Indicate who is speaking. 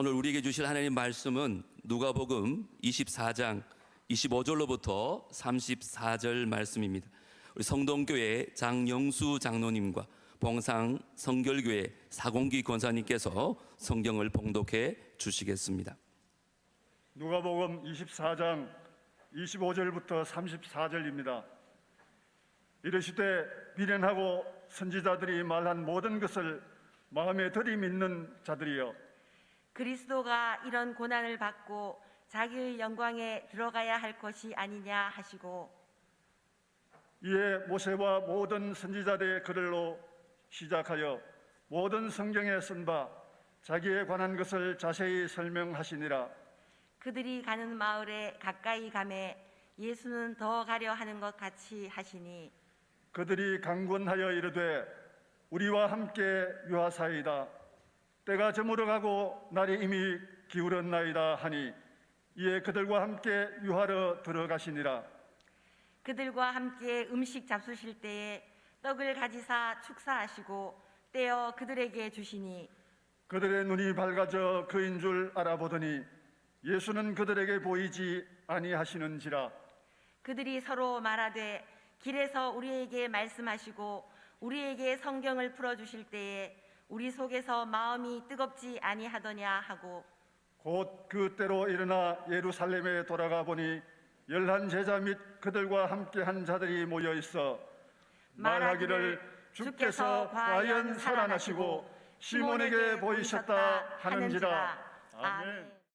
Speaker 1: 오늘 우리에게 주실 하나님 말씀은 누가복음 24장 25절로부터 34절 말씀입니다. 우리 성동교회 장영수 장로님과 봉상 성결교회 사공기 권사님께서 성경을 봉독해 주시겠습니다.
Speaker 2: 누가복음 24장 25절부터 34절입니다. 이르시되 미련하고 선지자들이 말한 모든 것을 마음에 들이믿는 자들이여,
Speaker 3: 그리스도가 이런 고난을 받고 자기의 영광에 들어가야 할 것이 아니냐 하시고,
Speaker 2: 이에 모세와 모든 선지자들의 글로 시작하여 모든 성경에 쓴 바 자기에 관한 것을 자세히 설명하시니라.
Speaker 3: 그들이 가는 마을에 가까이 가매 예수는 더 가려 하는 것 같이 하시니,
Speaker 2: 그들이 강권하여 이르되 우리와 함께 유하사이다. 때가 저물어 가고 날이 이미 기울었나이다 하니, 이에 그들과 함께 유하러 들어가시니라.
Speaker 3: 그들과 함께 음식 잡수실 때에 떡을 가지사 축사하시고 떼어 그들에게 주시니,
Speaker 2: 그들의 눈이 밝아져 그인 줄 알아보더니 예수는 그들에게 보이지 아니하시는지라.
Speaker 3: 그들이 서로 말하되 길에서 우리에게 말씀하시고 우리에게 성경을 풀어주실 때에 우리 속에서 마음이 뜨겁지 아니하더냐 하고,
Speaker 2: 곧 그때로 일어나 예루살렘에 돌아가 보니 11 제자 및 그들과 함께한 자들이 모여 있어 말하기를 주께서 과연 살아나시고 시몬에게 보이셨다 하는지라. 아멘.